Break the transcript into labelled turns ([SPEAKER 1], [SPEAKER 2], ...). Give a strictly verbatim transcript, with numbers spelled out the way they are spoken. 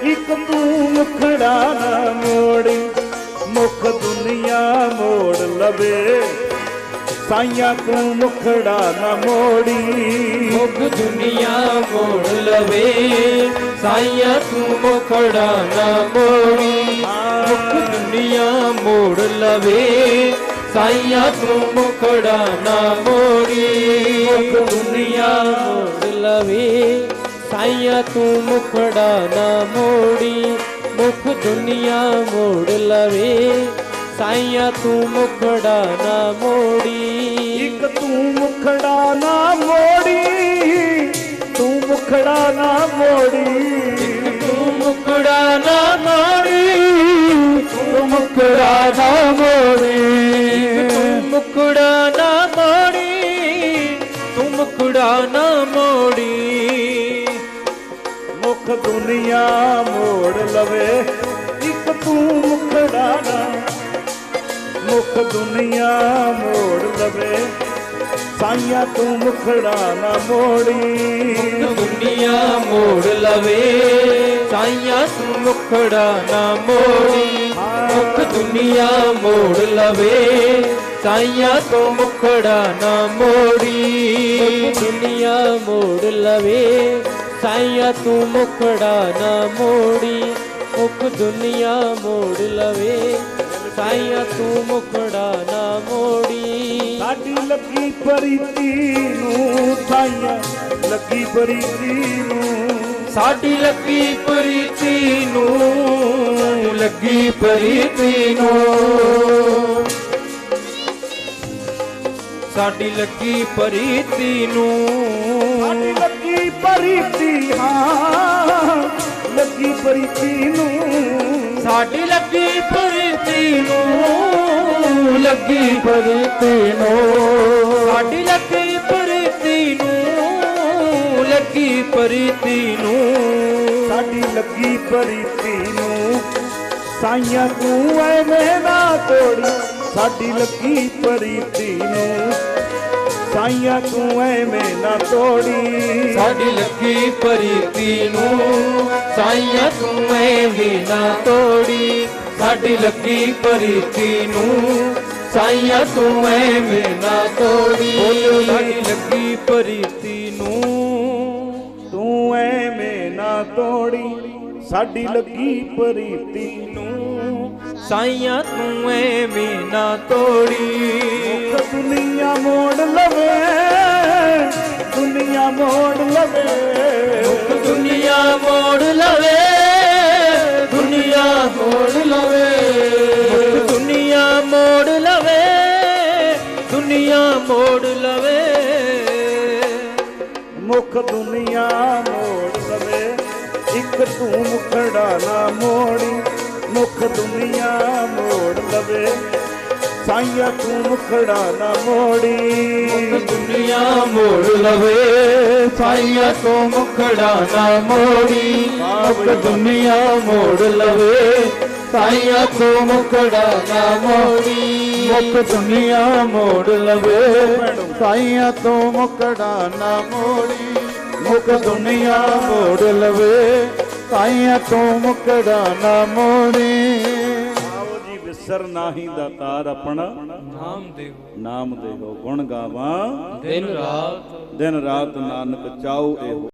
[SPEAKER 1] ਇੱਕ ਤੂੰ ਮੁਖੜਾ ਨਾ ਮੋੜੀ, ਮੁਖ ਦੁਨੀਆ ਮੋੜ ਲਵੇ, ਸਾਈਆਂ ਤੂੰ ਮੁਖੜਾ ਨਾ ਮੋੜੀ।
[SPEAKER 2] ਮੁਖ ਦੁਨੀਆ ਮੋੜ ਲਵੇ, ਸਾਈਆਂ ਤੂੰ ਮੁਖੜਾ ਨਾ ਮੋੜੀ। ਮੁਖ ਦੁਨੀਆ ਮੋੜ ਲਵੇ, ਸਾਈਆਂ ਤੂੰ ਮੁਖੜਾ ਨਾ ਮੋੜੀ। ਮੁਖ ਦੁਨੀਆ ਮੋੜ ਲਵੇ, ਸਾਈਆਂ ਤੂੰ ਮੁਖੜਾ ਨਾ ਮੋੜੀ। ਮੁਖ ਦੁਨੀਆ ਮੋੜ ਲਵੇ, ਸਾਈਆਂ ਤੂੰ ਮੁਖੜਾ ਨਾ ਮੋੜੀ।
[SPEAKER 1] ਇੱਕ ਤੂੰ ਮੁਖੜਾ ਨਾ ਮੋੜੀ, ਤੂੰ ਮੁਖੜਾ ਨਾ ਮੋੜੀ।
[SPEAKER 2] ਤੂੰ ਮੁਖੜਾ ਨਾ ਮੋੜੀ, ਤੂੰ ਮੁਖੜਾ ਨਾ ਮੋੜੀ। ਤੂੰ ਮੁਖੜਾ ਨਾ ਮੋੜੀ, ਤੂੰ ਮੁਖੜਾ ਨਾ ਮੋੜੀ।
[SPEAKER 1] ਮੁਖ ਦੁਨੀਆ ਮੋੜ ਲਵੇ, ਇੱਕ ਤੂੰ ਮੁਖੜਾ ਨਾ, ਮੁਖ ਦੁਨੀਆ ਮੋੜ ਲਵੇ, ਸਾਈਆਂ ਤੂੰ ਮੁਖੜਾ ਨਾ ਮੋੜੀ।
[SPEAKER 2] ਦੁਨੀਆ ਮੋੜ ਲਵੇ, ਸਾਈਆਂ ਤੂੰ ਮੁਖੜਾ ਨਾ ਮੋੜੀ। ਮੁਖ ਦੁਨੀਆ ਮੋੜ ਲਵੇ, ਸਾਈਆਂ ਤੂੰ ਮੁਖੜਾ ਨਾ ਮੋੜੀ। ਦੁਨੀਆ ਮੋੜ ਲਵੇ, ਸਾਈਆਂ ਤੂੰ ਮੁਖੜਾ ਨਾ ਮੋੜੀ। ਮੁਖ ਦੁਨੀਆ ਮੋੜ ਲਵੇ, ਸਾਈਆਂ ਤੂੰ ਮੁਖੜਾ ਨਾ ਮੋੜੀ।
[SPEAKER 1] ਸਾਡੀ ਲੱਗੀ ਪ੍ਰੀਤੀ ਨੂੰ, ਸਾਈਆਂ ਲੱਗੀ ਪ੍ਰੀਤੀ ਨੂੰ,
[SPEAKER 2] ਸਾਡੀ ਲੱਗੀ ਪ੍ਰੀਤੀ ਨੂੰ, ਲੱਗੀ ਪ੍ਰੀਤੀ ਨੂੰ। ਸਾਡੀ ਲੱਗੀ ਪ੍ਰੀਤੀ ਨੂੰ,
[SPEAKER 1] ਸਾਡੀ ਲੱਗੀ ਪ੍ਰੀਤੀ, ਹਾਂ ਲੱਗੀ ਪ੍ਰੀਤੀ ਨੂੰ।
[SPEAKER 2] ਸਾਡੀ ਲੱਗੀ ਪ੍ਰੀਤੀ ਨੂੰ, ਲੱਗੀ ਪ੍ਰੀਤੀ ਨੂੰ। ਸਾਡੀ ਲੱਗੀ ਪ੍ਰੀਤੀ ਨੂੰ, ਲੱਗੀ ਪ੍ਰੀਤੀ ਨੂੰ।
[SPEAKER 1] ਸਾਡੀ ਲੱਗੀ ਪ੍ਰੀਤੀ ਨੂੰ, ਸਾਈਆਂ ਤੂੰ ਐਵੇਂ ਨਾ ਤੋੜੀ। ਸਾਡੀ ਲੱਗੀ ਪ੍ਰੀਤੀ ਨੂੰ, ਸਾਈਆਂ ਤੂੰ ਐਵੇਂ ਨਾ ਤੋੜੀ।
[SPEAKER 2] ਸਾਡੀ ਲੱਗੀ ਪ੍ਰੀਤੀ ਨੂੰ, ਸਾਈਆਂ ਤੂੰ ਐਵੇਂ ਨਾ ਤੋੜੀ। ਸਾਡੀ ਲੱਗੀ ਪ੍ਰੀਤੀ ਨੂੰ, ਸਾਈਆਂ ਤੂੰ ਐਵੇਂ ਨਾ ਤੋੜੀ। ਸਾਡੀ ਲੱਗੀ ਪ੍ਰੀਤੀ ਨੂੰ,
[SPEAKER 1] ਤੂੰ ਐਵੇਂ ਨਾ ਤੋੜੀ। ਸਾਡੀ ਲੱਗੀ ਪ੍ਰੀਤੀ ਨੂੰ,
[SPEAKER 2] ਸਾਈਆਂ ਤੂੰ ਐਵੇਂ ਨਾ ਤੋੜੀ।
[SPEAKER 1] ਮੁਖ ਦੁਨੀਆ ਮੋੜ ਲਵੇ, ਦੁਨੀਆ ਮੋੜ ਲਵੇ।
[SPEAKER 2] ਮੁਖ ਦੁਨੀਆ ਮੋੜ ਲਵੇ, ਦੁਨੀਆ ਮੋੜ ਲਵੇ। ਮੁਖ ਦੁਨੀਆ ਮੋੜ ਲਵੇ, ਦੁਨੀਆ ਮੋੜ ਲਵੇ।
[SPEAKER 1] ਮੁਖ ਦੁਨੀਆ ਮੋੜ ਲਵੇ, ਇੱਕ ਤੂੰ ਮੁਖੜਾ ਨਾ ਮੋੜੀ। ਮੁਖ ਦੁਨੀਆ ਮੋੜ ਲਵੇ, ਸਾਈਆਂ ਤੂੰ ਮੁਖੜਾ ਨਾ ਮੋੜੀ।
[SPEAKER 2] ਮੁਖ ਦੁਨੀਆ ਮੋੜ ਲਵੇ, ਸਾਈਆਂ ਤੂੰ ਮੁਖੜਾ ਨਾ ਮੋੜੀ। ਮੁਖ ਦੁਨੀਆ ਮੋੜ ਲਵੇ, ਸਾਈਆਂ ਤੂੰ ਮੁਖੜਾ ਨਾ ਮੋੜੀ।
[SPEAKER 1] ਮੁਖ ਦੁਨੀਆ ਮੋੜ ਲਵੇ, ਸਾਈਆਂ ਤੂੰ ਮੁਖੜਾ ਨਾ ਮੋੜੀ। ਮੁਖ ਦੁਨੀਆ ਮੋੜ ਲਵੇ, ਸਾਈਆਂ ਤੂੰ ਮੁਖੜਾ ਨਾ ਮੋੜੀ। ਆਓ ਜੀ ਵਿਸਰ ਨਾਹੀ ਦਾਤਾਰ ਆਪਣਾ,
[SPEAKER 2] ਨਾਮ ਦੇਵੋ
[SPEAKER 1] ਨਾਮ ਦੇਵੋ ਗੁਣ ਗਾਵਾਂ
[SPEAKER 2] ਦਿਨ ਰਾਤ।
[SPEAKER 1] ਦਿਨ ਰਾਤ ਨਾਨਕ ਚਾਉ ਇਹੋ।